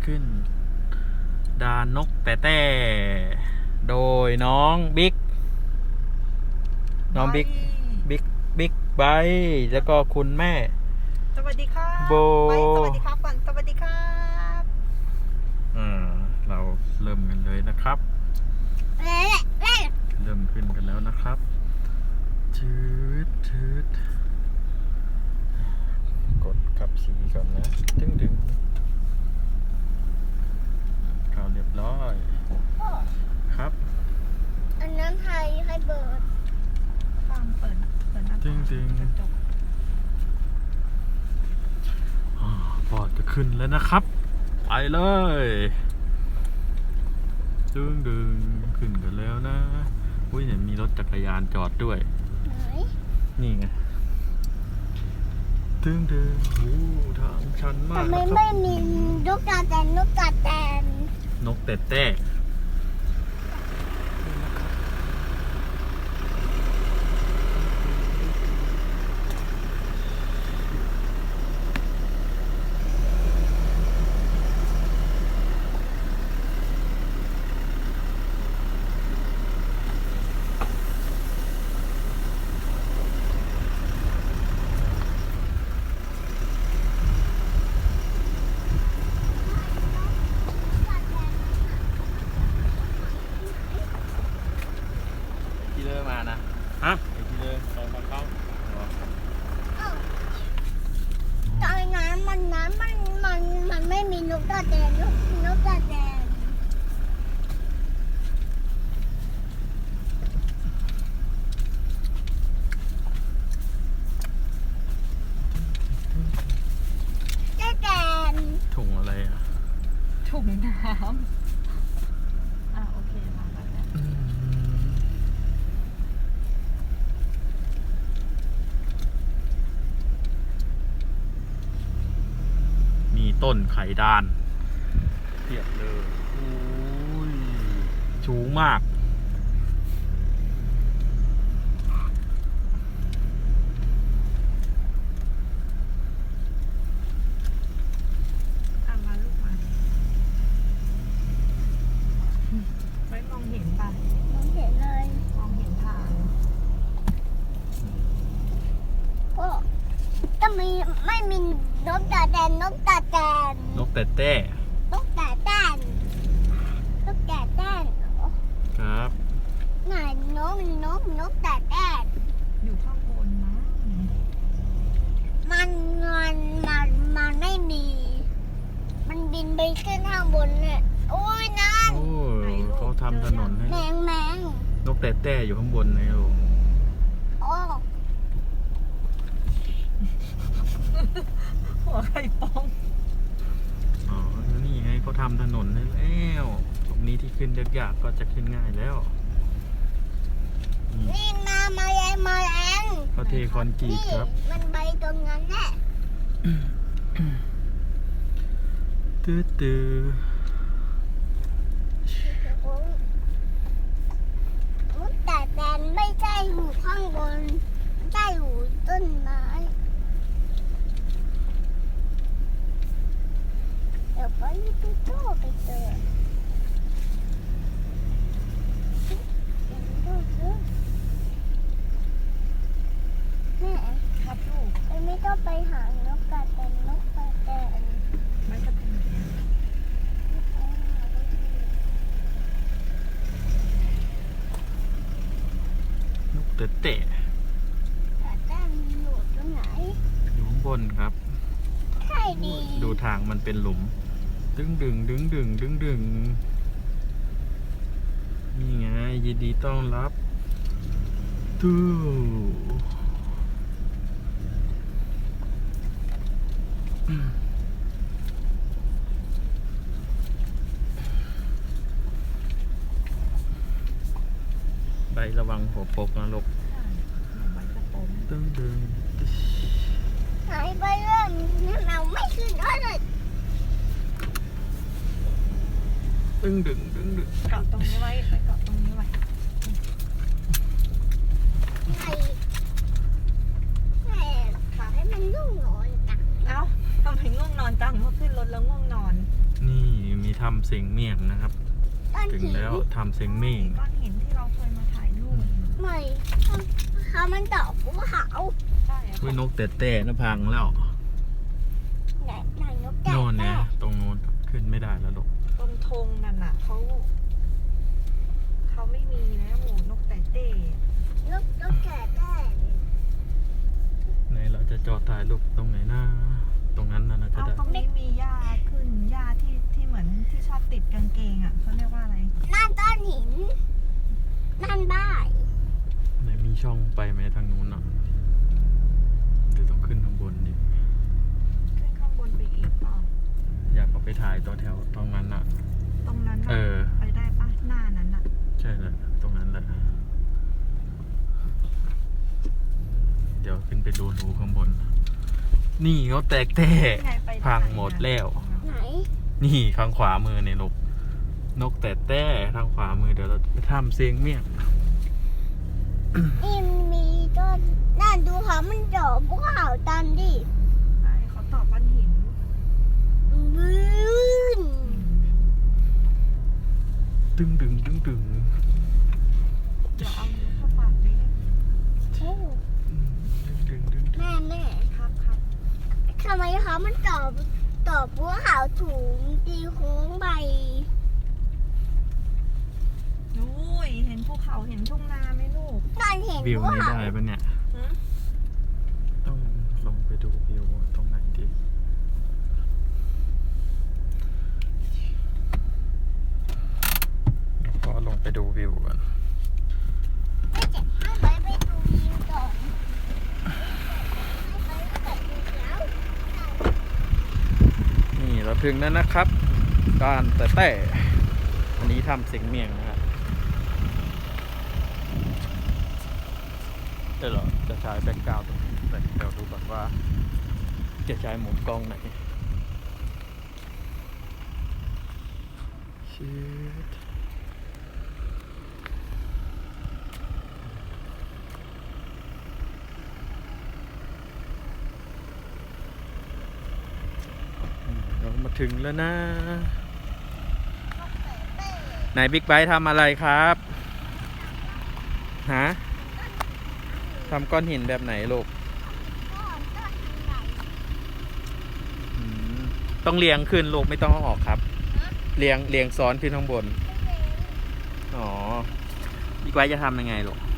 ขึ้นดานนกแต่โดยน้องบิ๊กบิ๊กไบค์แล้วก็คุณแม่สวัสดีครับโบสวัสดีครับก่อนสวัสดีครับเราเริ่มกันเลยนะครับเริ่มขึ้นกันแล้วนะครับชืดกดขับสีก่อนนะดึงเข้าเรียบร้อยครับอันนั้นให้เบิร์ดฟังเปิดหน้าต่างกระจกพอจะขึ้นแล้วนะครับไปเลยดึงขึ้นกันแล้วนะอุ้ยเนี่ยมีรถจักรยานจอดด้วยไหนนี่ไงดึงโอ้ทางชันมากทำไมไม่มีนกกาแตนนกแต่ที่เลิกมานะฮะไอ้ที่เลิกตรงมาเข้าตอนนั้นมันไม่มีนกกาแตนนกกาแตนถุงอะไรอ่ะถุงน้ำโอเคมาแล้วมีต้นไข่ดานเทียบเลยโอ้ยสูงมากมาลูกมาไม่มองเห็นป่ะมองเห็นเลยมองเห็นทางก็ไม่มีนกกาแตนนกแต่นกกาแตนครับไหนนกกาแตนอยู่ข้างบนนะมันไม่มี มันบินไปขึ้นข้างบนเนี่ยโอ้ยนั่นเขาทำถนนให้แมงนกแต่อยู่ข้างบนนะลูกโอ้หัวไข่ปองนี่ไงเขาทำถนนให้แล้วตรงนี้ที่ขึ้นยากๆก็จะขึ้นง่ายแล้วนี่มาแรงเขาเทคอนกรีตครับมันใบตรงนั้นแหละตื้อมุดแต่แตนไม่ใช่อยู่ข้างบนใช่อยู่ต้นไม้เดี๋ยวไปเจอแม่ครับลูกไม่ต้องไปหานกกาแตนไม่จะเป็นนกแต่กาแตนอยู่ตรงไหนอยู่ข้างบนครับใช่ดีดูทางมันเป็นหลุมดึงนี่ไงยินดีต้อนรับตู้ใบระวังหัวปกนะลูกดึงหายไปเรื่องนี่เราไม่ขึ้นเลยดึงเกาะตรงนี้ไว้ไปเกาะตรงนี้ไว้ขอให้มันง่วงนอนจังทำไมง่วงนอนจังเมื่อขึ้นรถแล้วง่วงนอนนี่ถ้ำเสงเมี่ยงนะครับก้อนถึงหินแล้วถ้ำเสงเมี่ยงก้อนหินที่เราเคยมาถ่ายรูปไม่เขามันดอกภูเขาใช่อะวินกแต่นะพังแล้วไหนนกแก่โน่นเนี่ยตรงโน้นขึ้นไม่ได้แล้วลูกตรงธงนั่นน่ะเขาไม่มีแล้วหมูนกแต่เต้นกแก่ได้ไหนเราจะจอดถ่ายรูปตรงไหนหน้าตรงนั้นน่าจะเอาได้ตรงนี้มีหญ้าขึ้นหญ้าที่เหมือนที่ชอบติดกางเกงอ่ะเขาเรียกว่าอะไรนั่นก้อนหินนั่นบ้านไหนมีช่องไปไหมทางนู้นอ่ะเดี๋ยวต้องขึ้นข้างบนดิขึ้นข้างบนไปอีกเปล่าอยากเอาไปถ่ายตัวแถวตรงนั้นอ่ะตรงนั้นน่ะเออไปได้ปะหน้านั้นน่ะใช่เลยตรงนั้นแหละเดี๋ยวขึ้นไปดูข้างบน นี่เขาแตกแต้ไงไปพังหมดแล้วไหนนี่ข้างขวามือเนี่ยลูกนกแต่แต้ทางขวามือเดี๋ยวเราไปทำเสียงเมี่ยงนี่มีต้นนั่นดูเขามันดอกภูเขาตันดิใช่เขาตอบก้อนหินบื้นตึงเดี๋ยวเอานิ้วเข้าปากดิโอ้แม่ครับทำไมเขามันตอบภูเขาถุงตีโค้งไปอุ้ยเห็นภูเขาเห็นทุ่งนาไหมลูกตอนเห็นวิวภูนี้เขาได้ปะเนี่ยหืมต้องลงไปดูวิวตรงไหนดีขอลงไปดูวิวก่อนไม่เจ็บให้ไปดูวิวก่อนให้ไปดูแล้วนี่เราถึงแล้วนะครับการแต่อันนี้ทำเสียงเมี่ยงนะครับเดี๋ยวเราจะใช้แบ็กกราวด์ตรงนี้แต่เดี๋ยวดูก่อนว่าจะใช้มุมกล้องไหนชิดเรามาถึงแล้วนะไหนบิ๊กไบค์ทำอะไรครับฮะทำก้อนหินแบบไหนลูกอืมต้องเรียงขึ้นลูกไม่ต้องเอาออกครับเรียงซ้อนขึ้นข้างบนอ๋อบิ๊กไบค์จะทำยังไงลูก